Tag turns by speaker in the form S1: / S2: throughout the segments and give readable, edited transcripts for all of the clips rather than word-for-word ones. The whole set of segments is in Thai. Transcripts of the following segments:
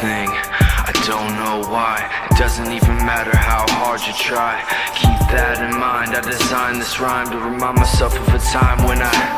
S1: thing. I don't know why. It doesn't even matter how hard you try. Keep that in mind. I designed this rhyme to remind myself of a time when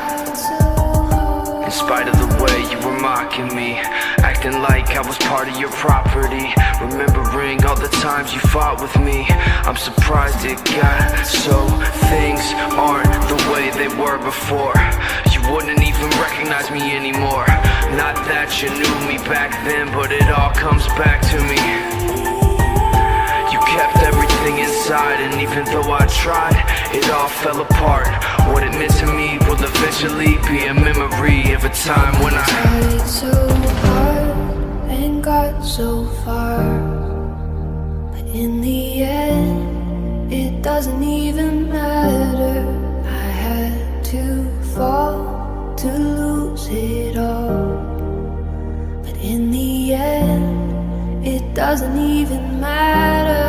S1: in spite of the way you were mocking me, acting like I was part of your property, remembering all the times you fought with me, I'm surprised it got so things aren't the way they were before. You wouldn't even recognize me anymore. Not that you knew me back then, but it all comes back to me. You kept everything inside, and even though I tried, it all fell apart. What it meant to me will eventually be a memory of a time when I
S2: tried so hard and got so far, but in the end, it doesn't even matter. I had to fall to lose it all, but in the end, it doesn't even matter.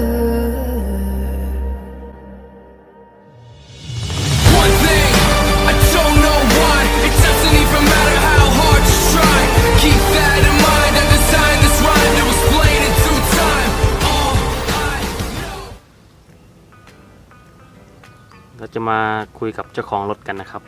S1: One thing, I don't know why. It doesn't even matter how hard you try. Keep that in mind. I designed this rhyme to explain in due time. All I know.
S3: เราจะมาคุยกับเจ้าของรถกันนะครับ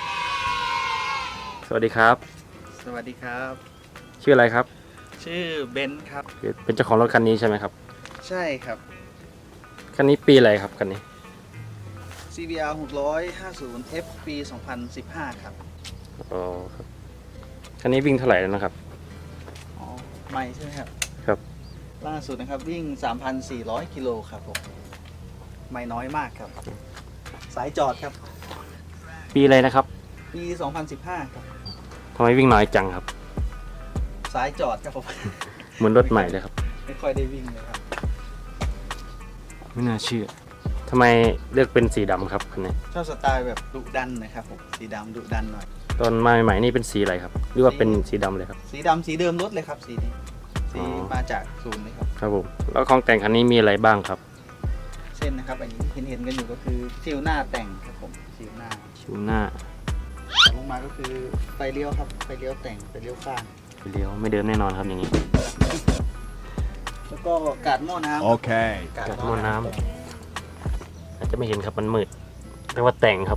S3: สวัสดีครับ
S4: สวัสดีครับ
S3: ชื่ออะไรครับ
S4: ชื่อเบนซ์ครับ
S3: เป็นเจ้าของรถคันนี้ใช่ไหมครับ
S4: ใช่ครับ
S3: คันนี้ปีอะไรครับคันนี้
S4: CBR 650 F ปี 2015 ครับ
S3: อ๋อครับคันนี้วิ่งเท่าไหร่แล้วนะครับ
S4: อ๋อไม่ใช่ไหมครับ
S3: ครับ
S4: ล่าสุดนะครับวิ่ง 3,400 กิโลครับผม ไม่น้อยมากครับ สายจอดครับ
S3: ปีอะไรนะครับ
S4: ปี 2015 ครับ
S3: ทำไมวิ่งน้อยจังครับ
S4: สายจอดครับผม
S3: เหมือนรถใหม่เลยครับ
S4: ไม่ค่อยได้วิ่งเลยครับ
S3: ไม่น่าเชื่อทำไมเลือกเป็นสีดำครับคันนี้
S4: ชอบสไตล์แบบดุดันนะครับผม สีดำดุดันหน่อย
S3: ตอนมาใหม่ๆนี่เป็นสีอะไรครับหรือว่าเป็นสีดำเลยครับ
S4: สีดำสีเดิมรถเลยครับ สีนี้ สี
S3: อ๋อ
S4: มาจากศูนย์เลยครับ
S3: ครับผมแล้วของแต่งคันนี้มีอะไรบ้างครับ
S4: เช่นนะครับ อันนี้เห็นกันอยู่ก็คือซิลหน้าแต่งครับผมซิลหน้า
S3: ชิวหน้า
S4: ลงมาก็คือไฟเลี้ยวครับ ไฟเลี้ยวแต่ง ไฟเลี้ยวข้าง
S3: ไปเลี้ยวไม่เดิมแน่นอนครับอย่างนี้
S4: แล้วก็กาดหม้อน้ำ
S5: Okay.
S4: กาด
S3: กาดหม้อน้ำ อาจจะไม่เห็นครับมันมืดเรียกว่าแต่งครับ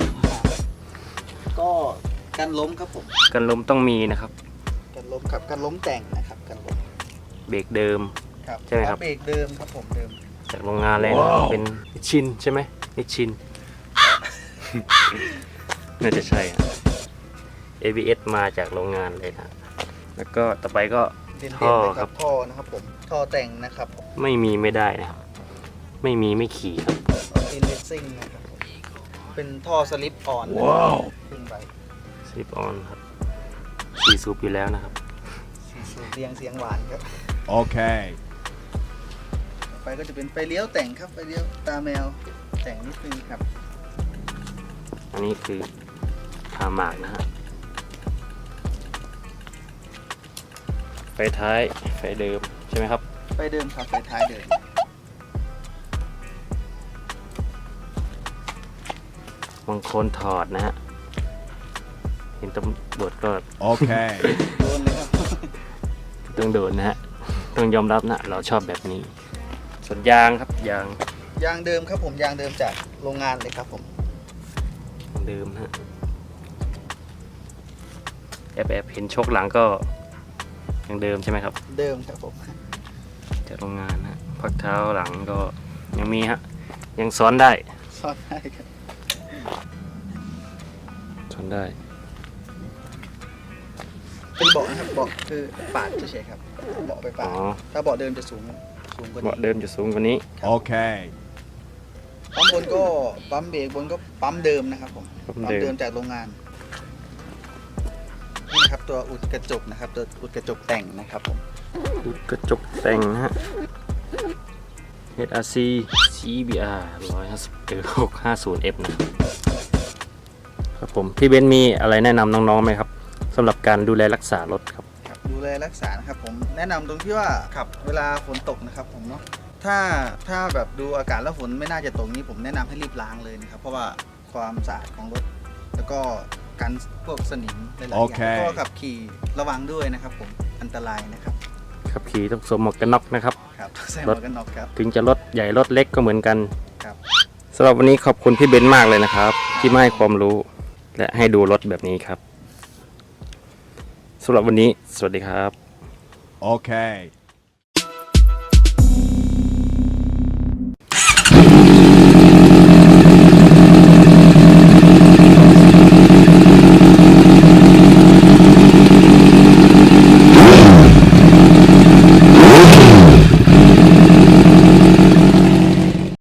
S4: ก็กันล้มครับผม
S3: กันลมต้องมีนะครับ
S4: กันล้มครับกันล้มแต่งนะครับกันล้ม
S3: เบรกเดิม
S4: ครับ
S3: ใช่ไหมครับ
S4: เบรกเดิมครับผมเดิม
S3: จากโรงงานเลยนะ
S5: ว้าว
S3: เป็นนิชชินใช่ไหมนิชชิน น่าจะใช่อะ ABS มาจากโรงงานเลยนะ แล้วก็ต่อไปก็
S4: เด่น
S3: ท่อ
S4: ๆเลย
S3: ค
S4: ค
S3: รั
S4: รับ บท่อนะครับผมท่อแต่งนะครับผม
S3: ไม่มีไม่ได้นะครับ ไม่มีไม่ขี่ครับ
S4: ออตินเลสซิ่งนะครับผมเป็นท่อสลิปอ่อนนะครับ
S5: ว้าว
S4: ขึ้นไป
S3: สลิปออนครับสี่สูบอยู่แล้วนะครับ
S4: สูบเรียงเสียงหวานครับ
S5: Okay.
S4: ต่อไปก็จะเป็นไฟเลี้ยวแต่งครับไฟเลี้ยวตาแมวแต่งนิดนึงครับ
S3: อันนี้คือพาหมากนะฮะไฟท้ายไฟเดิมใช่ไหมครับ
S4: ไฟเดิมครับไฟท้ายเดิม
S3: บางคนถอดนะฮะ เห็นตำรวจก็
S5: Okay.
S4: โดนเลยครับ
S3: ต้องโดนนะฮะ ต้องยอมรับนะ เราชอบแบบนี้ ส่วนยางครับยาง
S4: ยางเดิมครับผมยางเดิมจากโรงงานเลยครับผม
S3: เดิมนะฮะแอบเห็นโชคหลังก็ยังเดิมใช่ไหมครับ
S4: เดิมครับผม
S3: จากโรงงานนะพักเท้าหลังก็ยังมีฮะ ยังซ้อนได้
S4: ซ่อนได้ครับ
S3: ซ้อนได้
S4: เป็นเบาะนะครับเบาะคือปาดเฉยๆครับเบาะไปปา
S3: อ๋
S4: ด
S3: อ
S4: ถ้าเบาะเดิมจะสูงกว่า
S3: เบาะ
S4: นี้
S3: เดิมจะสูงกว่านี้
S5: Okay.
S4: ปั๊มบนก็ปั๊มเบรกบนก็ปั๊มเดิมนะครับผม
S3: ปั๊ม
S4: ปั๊ม
S3: เดิม
S4: เดิมจากโรงงานนี่นะครับตัวอุดกระจกนะครับตัวอุดกระจกแต่งนะครับผม
S3: อุดกระจกแต่งนะฮะ HRC CBR 650F นะครับผมพี่เบนซ์มีอะไรแนะนำน้องๆไหมครับสำหรับการดูแลรักษารถครับ
S4: ครับดูแลรักษานะครับผมแนะนำตรงที่ว่าขับเวลาฝนตกนะครับผมเนาะถ้าแบบดูอากาศแล้วฝนไม่น่าจะตกนี้ผมแนะนำให้รีบล้างเลยนะครับเพราะว่าความสะอาดของรถ แล้วก็กันพวกสนิมหลายๆอย่าง
S5: โอเค
S4: ก็ขับขี่ระวังด้วยนะครับผมอันตรายนะครับ
S3: ขับขี่ต้องสวมหมวกกันน็อกนะครับ
S4: ครับใส่หมวกกันน็อกครับ
S3: ถึงจะรถใหญ่รถเล็กก็เหมือนกัน
S4: ครับ
S3: สำหรับวันนี้ขอบคุณพี่เบนซ์มากเลยนะครับ ที่มาให้ความรู้และให้ดูรถแบบนี้ครับสำหรับวันนี้สวัสดีครับ
S5: Okay.